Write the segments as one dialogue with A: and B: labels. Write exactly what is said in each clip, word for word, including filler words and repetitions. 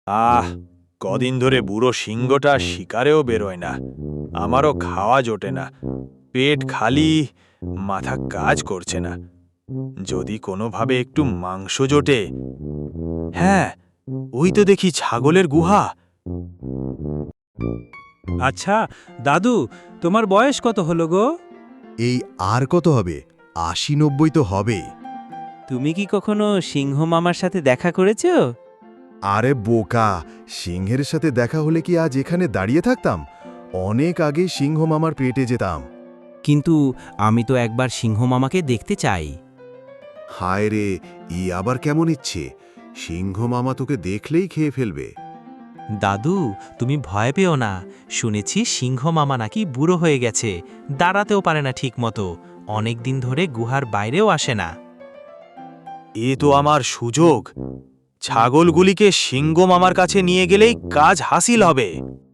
A: আহ কদিন ধরে বুড়ো সিংহটা শিকারেও বেরোয় না। আমারও খাওয়া জোটে না, পেট খালি, মাথা কাজ করছে না। যদি কোনোভাবে একটু মাংস জোটে। হ্যাঁ, ওই তো দেখি ছাগলের গুহা।
B: আচ্ছা দাদু, তোমার বয়স কত হলো গো?
C: এই আর কত হবে? আশি নব্বই তো হবে।
B: তুমি কি কখনো সিংহ মামার সাথে দেখা করেছো?
C: আরে বোকা, সিংহের সাথে দেখা হলে কি আজ এখানে দাঁড়িয়ে থাকতাম? অনেক আগে সিংহ মামার পেটে যেতাম।
D: কিন্তু আমি তো একবার সিংহ মামাকে দেখতে চাই।
C: হায় রে, ই আবার কেমন ইচ্ছে? সিংহ মামা তোকে দেখলেই খেয়ে ফেলবে।
D: দাদু, তুমি ভয় পেও না। শুনেছি সিংহ মামা নাকি বুড়ো হয়ে গেছে, দাঁড়াতেও পারে না ঠিক মতো, অনেক দিন ধরে গুহার বাইরেও আসে না।
A: এ তো আমার সুযোগ। ছাগলগুলিকে সিংহ মামার কাছে নিয়ে গেলেই কাজ হাসিল হবে।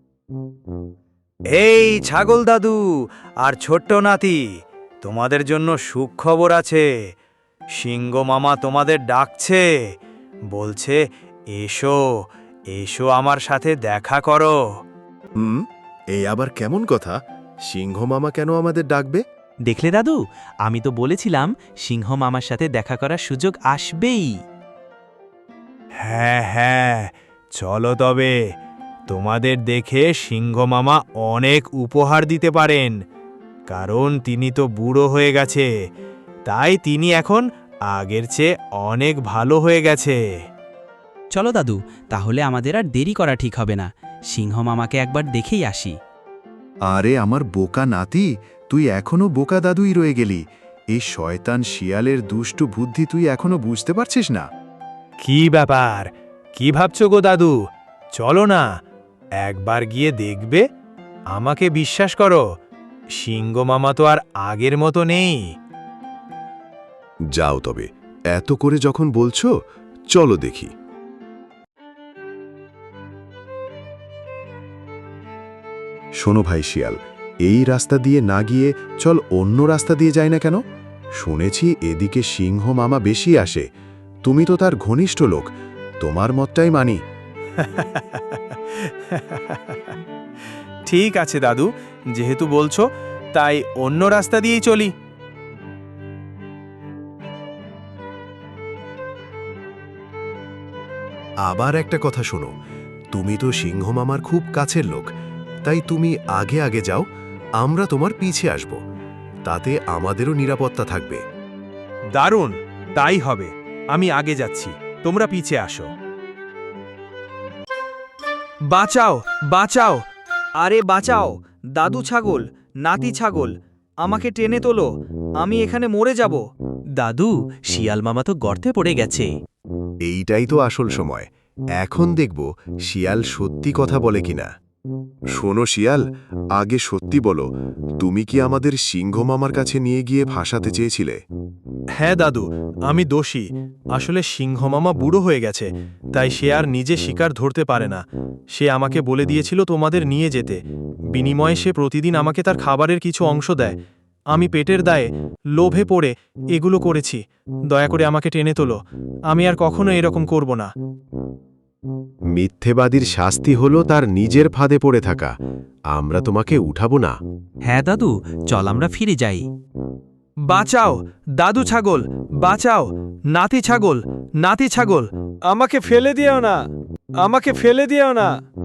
A: এই ছাগল দাদু আর ছোট্ট নাতি, তোমাদের জন্য সুখবর আছে। সিংহ মামা তোমাদের ডাকছে, বলছে এসো এসো আমার সাথে দেখা করো।
C: হুম, এই আবার কেমন কথা? সিংহ মামা কেন আমাদের ডাকবে?
D: দেখলে দাদু, আমি তো বলেছিলাম সিংহ মামার সাথে দেখা করার সুযোগ আসবেই।
A: হ্যাঁ হ্যাঁ, চলো তবে। তোমাদের দেখে সিংহ মামা অনেক উপহার দিতে পারেন, কারণ তিনি তো বুড়ো হয়ে গেছে, তাই তিনি এখন আগের চেয়ে অনেক ভালো হয়ে গেছে।
D: চলো দাদু, তাহলে আমাদের আর দেরি করা ঠিক হবে না, সিংহ মামাকে একবার দেখেই আসি।
C: আরে আমার বোকা নাতি, তুই এখনো বোকা দাদুই রয়ে গেলি। এই শয়তান শিয়ালের দুষ্টু বুদ্ধি তুই এখনো বুঝতে পারছিস না?
A: কি ব্যাপার, কি ভাবছো গো দাদু? চলো না, একবার গিয়ে দেখবে। আমাকে বিশ্বাস করো, সিংহ মামা তো আর আগের মতো নেই।
C: যাও তবে, এত করে যখন বলছো, চলো দেখি। শোনো ভাই শিয়াল, এই রাস্তা দিয়ে না গিয়ে চল অন্য রাস্তা দিয়ে যাই না কেন? শুনেছি এদিকে সিংহ মামা বেশি আসে। তুমি তো তার ঘনিষ্ঠ লোক, তোমার মতটাই মানি।
A: ঠিক আছে দাদু, যেহেতু বলছো, তাই অন্য রাস্তা দিয়েই চলি।
C: আবার একটা কথা শোনো, তুমি তো সিংহ মামার খুব কাছের লোক, তাই তুমি আগে আগে যাও, আমরা তোমার পিছে আসব। তাতে আমাদেরও নিরাপত্তা থাকবে।
A: দারুণ, তাই হবে। আমি আগে যাচ্ছি, তোমরা পিছে আসো। বাঁচাও বাঁচাও,
E: আরে বাঁচাও, দাদু ছাগল, নাতি ছাগল, আমাকে টেনে তোলো, আমি এখানে মরে যাব।
D: দাদু, শিয়াল মামা তো গর্তে পড়ে গেছে।
C: এইটাই তো আসল সময়। এখন দেখব শিয়াল সত্যি কথা বলে কিনা। শোনো শিয়াল, আগে সত্যি বলো, তুমি কি আমাদের সিংহ মামার কাছে নিয়ে গিয়ে ভাসাতে চেয়েছিলে?
A: হ্যাঁ দাদু, আমি দোষী। আসলে সিংহ মামা বুড়ো হয়ে গেছে, তাই সে আর নিজে শিকার ধরতে পারে না। সে আমাকে বলে দিয়েছিল তোমাদের নিয়ে যেতে, বিনিময়ে সে প্রতিদিন আমাকে তার খাবারের কিছু অংশ দেয়। আমি পেটের দায়ে লোভে পড়ে এগুলো করেছি। দয়া করে আমাকে টেনে তোলো, আমি আর কখনো এরকম করব না।
C: মিথ্যেবাদীর শাস্তি হলো তার নিজের ফাঁদে পড়ে থাকা। আমরা তোমাকে উঠাবো না।
D: হ্যাঁ দাদু, চল আমরা ফিরে যাই।
A: বাঁচাও দাদু ছাগল, বাঁচাও নাতি ছাগল, নাতি ছাগল, আমাকে ফেলে দিও না, আমাকে ফেলে দিও না।